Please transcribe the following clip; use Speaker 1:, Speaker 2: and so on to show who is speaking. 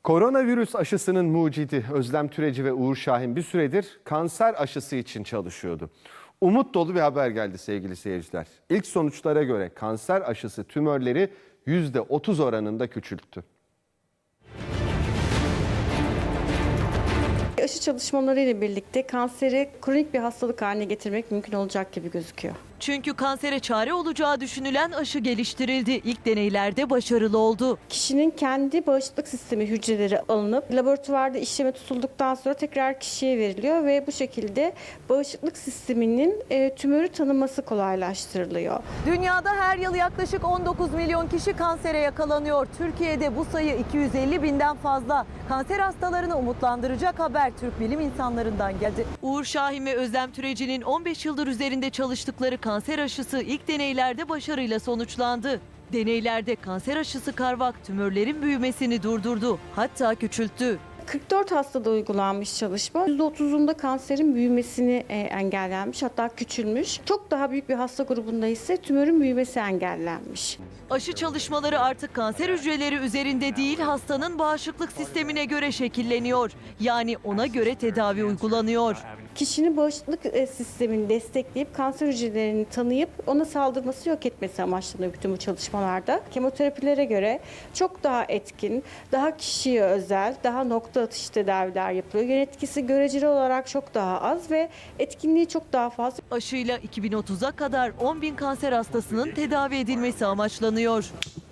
Speaker 1: Koronavirüs aşısının mucidi Özlem Türeci ve Uğur Şahin bir süredir kanser aşısı için çalışıyordu. Umut dolu bir haber geldi sevgili seyirciler. İlk sonuçlara göre kanser aşısı tümörleri %30 oranında küçülttü.
Speaker 2: Aşı çalışmaları ile birlikte kanseri kronik bir hastalık haline getirmek mümkün olacak gibi gözüküyor.
Speaker 3: Çünkü kansere çare olacağı düşünülen aşı geliştirildi. İlk deneylerde başarılı oldu.
Speaker 2: Kişinin kendi bağışıklık sistemi hücreleri alınıp laboratuvarda işleme tutulduktan sonra tekrar kişiye veriliyor ve bu şekilde bağışıklık sisteminin tümörü tanıması kolaylaştırılıyor.
Speaker 3: Dünyada her yıl yaklaşık 19 milyon kişi kansere yakalanıyor. Türkiye'de bu sayı 250 binden fazla. Kanser hastalarını umutlandıracak haber Türk bilim insanlarından geldi. Uğur Şahin ve Özlem Türeci'nin 15 yıldır üzerinde çalıştıkları kanser aşısı ilk deneylerde başarıyla sonuçlandı. Deneylerde kanser aşısı Carvak tümörlerin büyümesini durdurdu, hatta küçülttü.
Speaker 2: 44 hastada uygulanmış çalışma. %30'unda kanserin büyümesini engellenmiş, hatta küçülmüş. Çok daha büyük bir hasta grubunda ise tümörün büyümesi engellenmiş.
Speaker 3: Aşı çalışmaları artık kanser hücreleri üzerinde değil, hastanın bağışıklık sistemine göre şekilleniyor. Yani ona göre tedavi uygulanıyor.
Speaker 2: Kişinin bağışıklık sistemini destekleyip kanser hücrelerini tanıyıp ona saldırması, yok etmesi amaçlanıyor bütün bu çalışmalarda. Kemoterapilere göre çok daha etkin, daha kişiye özel, daha nokta atışı tedaviler yapılıyor. Yan etkisi göreceli olarak çok daha az ve etkinliği çok daha fazla.
Speaker 3: Aşıyla 2030'a kadar 10.000 kanser hastasının tedavi edilmesi amaçlanıyor.